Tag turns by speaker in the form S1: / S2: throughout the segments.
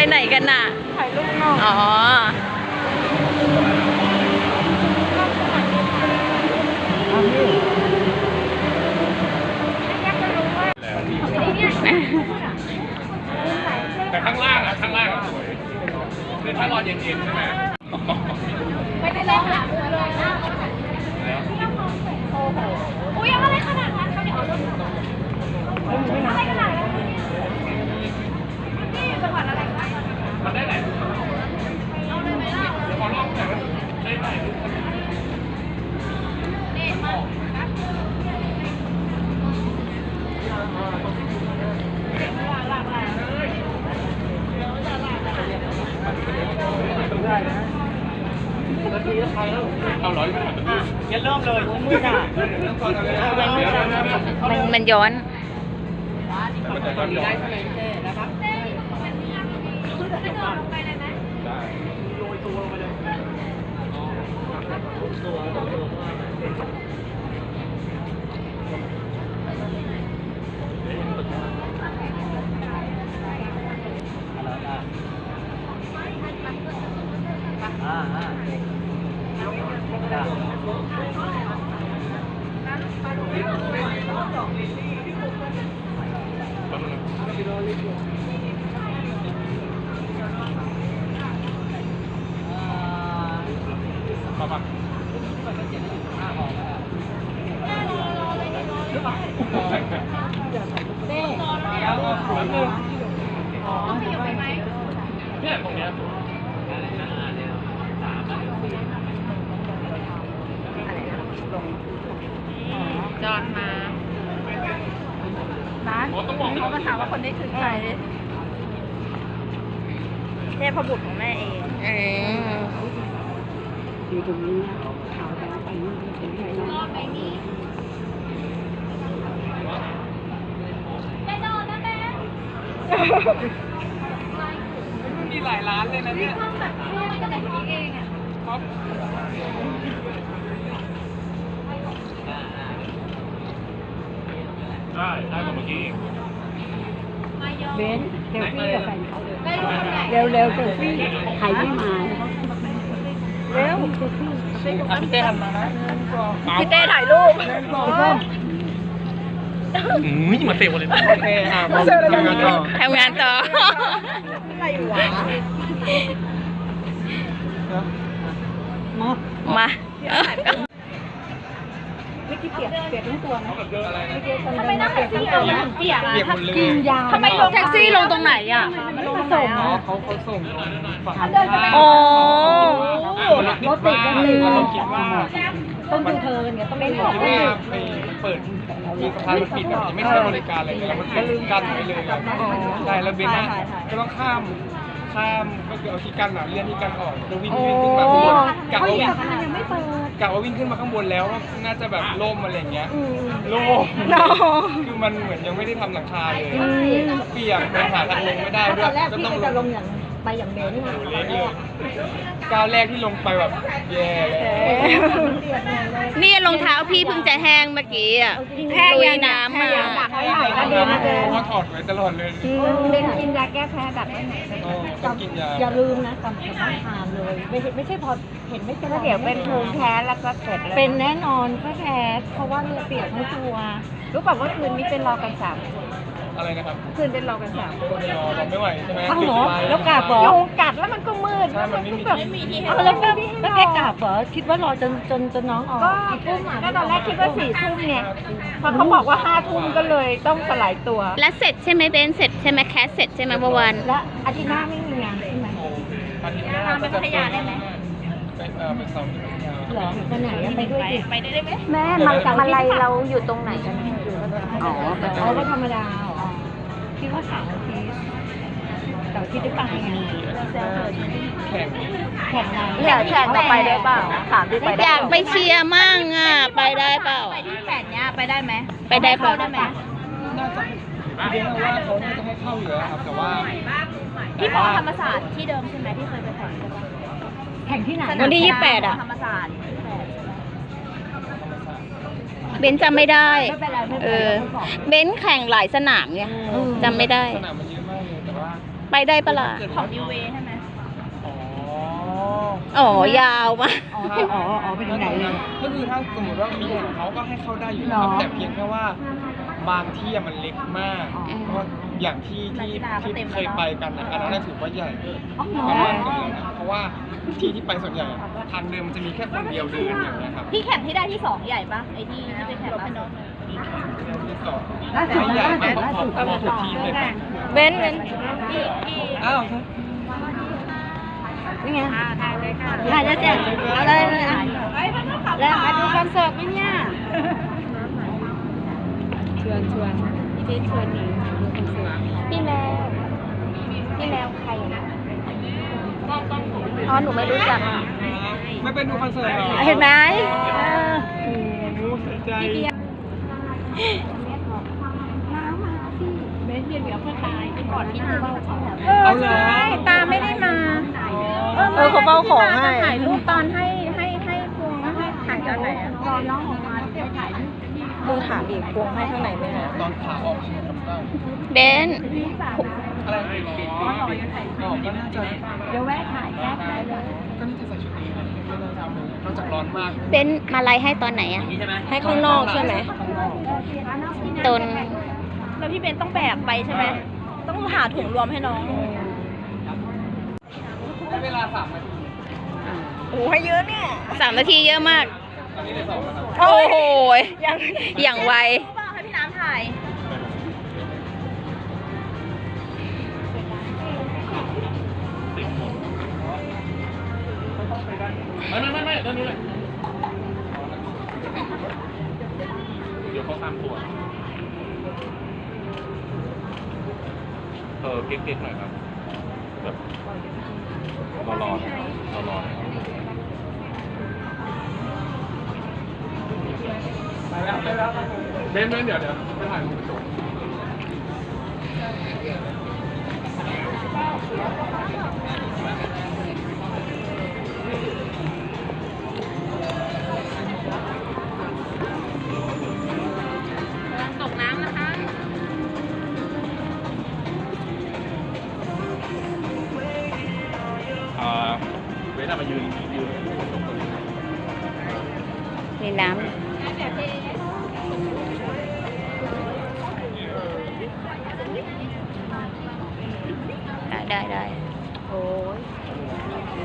S1: ไหนกันน่ะ
S2: ถ่ายรูปนอก
S1: อ๋อ
S3: แต่ข้างล่างอะสวยคือถ้ารอเย็นๆใช่ไหม
S2: ไม่ได้เลยค่ะเลยนะโอ้โหอุ้ยอะไรขนาดนั้นเขาเดี๋ยวเอาอะไรขนาดนั้นนี่จังหวัดอะไรคะ
S3: มันได้ไหน
S2: เอาเลยไหมล่ะ
S3: ขอลองแต่ได้ไหน
S2: นี่มา
S3: เอาร้อยงั้นเริ่มเลยมือหน้า
S1: มันย้อน
S3: มันจะย้อนได้ใช่ไหม
S2: นะครับเต้มันมีกระโดดลงไปเลยไหม
S3: ได้โรยตัวลงไปเลยมาปะ
S2: เต้ต้องขยับไปไหม
S3: เนี่ยตรงเนี้ย
S1: จอดมา
S2: ร้านเขามาถามว่าคนนี้คือใครเทพบุตรของแม่เอง
S4: อยู่ตรงนี้นะขาวแต่ไปนู่นเป็นไงเนาะ
S2: ไปนี่ได้นอนนะแม่
S3: มีหลายร้านเลยนะเนี่ย
S2: ห้องแบบห้องก็แต่งเองอ่ะ
S3: ครับได้กว่าเมื่อกี้เอง
S4: เบนเซลฟี่กับแฟนเขา
S2: ได้รูปคนไหน
S4: เร็วเซลฟี่ใครไม่มาเร็วเซลฟี่
S3: พี่เต้ทำมานะ
S2: พี่เต้ถ่ายรูป
S3: มาเซลเลยนะโอเคมาทำงานต่อ
S2: อะไรวะ
S1: มา
S4: ไม่กี่เปียกทั้งตัวนะ
S2: ทำไมนั่งแท็กซี่เราเปียกอ่ะ
S4: กินยา
S2: ทำไมลงแท็กซี่ลงตรงไหนอ่ะ
S4: ไม่ลงส่ง
S3: เขาส่งฝั่ง
S1: โอ้
S4: รถติดกันเลย
S3: เราคิดว่า
S4: ต้องดูเธอเนี่ยต้องเป็น
S3: คิดว่าไปเปิดมีสะพานมันปิดแบบไม่ใช้บริการอะไรเลยแล้วมันปิดกั้นไว้เลยใช่แล้วเบนน่ะก็ต้องข้ามก็คือเอาที่กั้นเลื่อนที่กั้นออกแล้ววิ่งขึ้นมาข้างบนกะว่าวิ่งขึ้นมาข้างบนแล้วน่าจะแบบล่มอะไรอย่างเงี้ยล่มคือมันเหมือนยังไม่ได้ทำหลังคาเลยเปียกมันหาทางลงไม่ได้ด้วยก็ต้องลง
S4: อย่างไปอย่างเบน
S3: เล็กเลยก้าวแรกที่ลงไปแบบแย่เลย
S1: นี่รองเท้าพี่เพิ่งจะแห้งเมื่อกี้อ่ะลุยน้ำมา
S3: เพราะถอดไว้ตลอดเลย
S4: เบนกินยาแก้แพ้แบบไหน
S3: ต้องกินยา
S4: อย่าลืมนะต้องทานเลยไม่ใช่พอเห็นไม่เป็นไร
S2: เดี๋ยวเป็นภูมิแพ้แล้วก็เสร็จเลย
S4: เป็นแน่นอนก็แพ้เพราะว่าเลือดเปียกทั้งตัว
S2: รู้ป่ะว่าคืนนี้เป็นรอกัน3 คน
S3: อะไรนะครับ
S2: คืนเป็นรอกัน3 คน
S3: เราไม่ไหวใช่ไหม
S4: อ้าวเหรอแล้วกาบเหรอ
S2: ยุงกัดแล้วมันก็มืด
S3: ใช่มันไม่มี
S2: ที่
S4: เอาแล้วแกกาบเหรอคิดว่ารอจนน้องออก
S2: ก็ตอนแรกคิดว่า4 ทุ่มไงพอเขาบอกว่า5 ทุ่มก็เลยต้องสลายตัว
S1: และเสร็จใช่ไหมเบนเสร็จใช่ไหมแคสเสร็จใช่ไหมเมื่อวาน
S4: และอาทิตย์หน้าไม่มีงานใช่ไหม
S3: อาทิตย์หน้าก็จะเป็นเสาร์ที่พัทยา
S4: เหรอไปไหนไปด้วยดิ
S2: ไปได้ไหม
S4: แม่มาลัยเราอยู่ตรงไหนกันอ๋อก็ธรรมดาคิดว่าเสาร์อาทิตย์ได้ไปไง
S3: แข่ง
S4: แข่งงาน
S2: อยากแข่งต่อไปได้เปล่าถามดิไป
S1: อยากไปเชียร์มั่งอ่ะ ไปได้เปล่า
S2: ไปที่8เนี้ยไปได้ไหม
S1: ไปได้เปล่า
S2: ได้ไหม
S3: น่าจะเรียนว่าเขาน่าจะให้เข้าอยู่แล้วครับแต่ว่า
S2: ที่มอธรรมศาสตร์ที่เดิมใช่ไหมที่เคยไปแข่งใช่ปะ
S4: แข่งที่ไหน
S1: วันที่28อ่ะ
S2: ธรรมศาสตร์
S1: เบนจำไม่ได้
S4: ไม่เป็นไรไม่
S1: เอ
S4: เป็นไร
S1: อ เบนแข่งหลายสนามไงจำไม่ได้
S3: สนามมันเยอะมากเลยแต่ว่า
S1: ไไปได้ปะล่ะ
S2: ของยูเวใช่ไหม
S3: อ๋อ
S1: อ๋อยาวมาก
S2: อ๋อไปถึงไหนเลย
S3: ก็คือถ้าสมมติว่ามีของเขาก็ให้เข้าได้อยู่นะครับ
S2: หรอ
S3: แต่เพียงแค่ว่าบางที่อะมันเล็กมาก
S1: อืม
S3: เพราะอย่างที่เคยไปกันนะอันนั้นนะถือว่าใหญ่
S2: อ๋อ
S3: ประมาณนึงเลยนะเพราะว่าที่ไปส่วนใหญ่อะทางเดินมันจะมีแค่คนเดียวเดินอย่างเงี้ยครับ
S2: ที่แข่งที่ได้ที่สองใหญ่ปะไอ้ที่ไปแข่งล่าสุด
S3: มีแค่ที่สองไม่ใหญ่มากพอๆทุกทีมเลยครับ
S1: เบน
S3: อ้าว
S1: นี่ไง
S2: ถ่ายเลยค่ะ
S1: ถ่ายแล้วจ้ะเอาเลยแล้วมาดูคอนเสิร์ตไหมเนี่ย
S2: ชวนพี่เพชรชวนหนีดูคอนเสิร์ต
S1: พี่แมวใครนะอ๋อหนูไม่รู้จัก
S3: ไม่เป็นดูคอนเสิร์ตเหรอ
S1: เห็นไหม
S3: โอ้โหเสียใจ
S2: เบสเบียร์เหลือเพื่อตายไปก่อนที่จะเบ้าเขา
S3: เอาเหรอ
S2: ตาไม่ได้มา
S1: เขาเฝ้าของให้
S2: ถ่ายรูปตอนให้พวงให้ถ่ายตอนไหนอะรอน้องออกมาจะถ่ายรูป
S1: ดูถามอีกพวงให้ข้างในไหมคะ
S3: ตอนขาออกใช่ไหมครับได้
S1: เบน
S3: อะไรอ๋อก็น่าจะ
S2: เดี๋ยวแวะถ่ายแป๊บได้เลย
S3: ก็น่าจะใส่ชุดนี้นะไม่น่าจะเอาเลยนอกจากร้อนมาก
S1: เบนมาไลฟ์ให้ตอนไหนอะให้ข้างนอกใช่ไหม
S3: ข้างนอก
S1: ตน
S2: แล้วพี่เบนต้องแบกไปใช่ไหมต้องหาถุงรวมให้น้อง
S3: ใช้เวลา3 นาที
S2: โอ้ให้เยอะเนี่ย
S1: 3 นาทีเยอะมาก
S3: ตอนนี้เลย2 นาที
S1: โอ้โหอย่างไว
S2: ให้พี่น้ำถ่าย
S3: ไม่ด้านนี้เลยเดี๋ยวเขาตามตัวเก๊กๆหน่อยครับแบบรอไปแล้วเบนเดี๋ยวไปถ่ายรูปกระจก
S2: ตกน้ำนะคะ
S3: เบนมายืน
S1: มีน้ำได้โอ้ย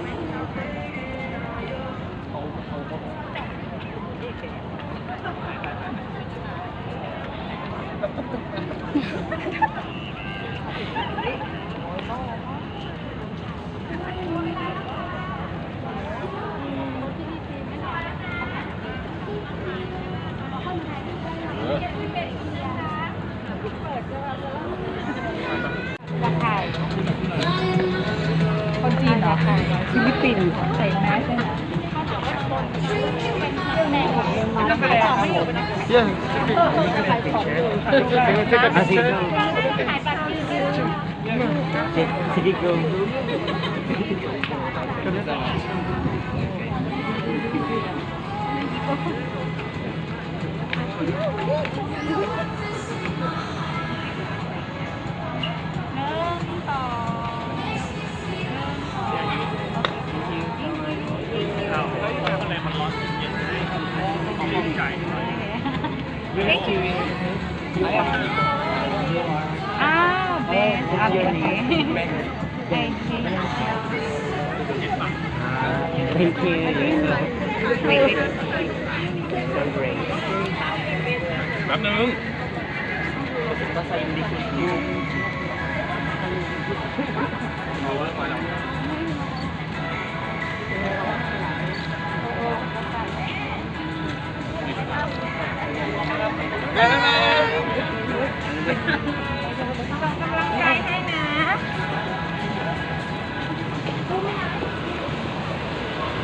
S2: คนจีนเหรอฟิลิปปินส์ใส่แมสใช่ไหม
S3: Yes.
S2: Ben,
S5: Thank you. So great.
S3: แป๊บนึง
S5: Basta hindi ko
S3: เอาไว้ก่อนแล้ว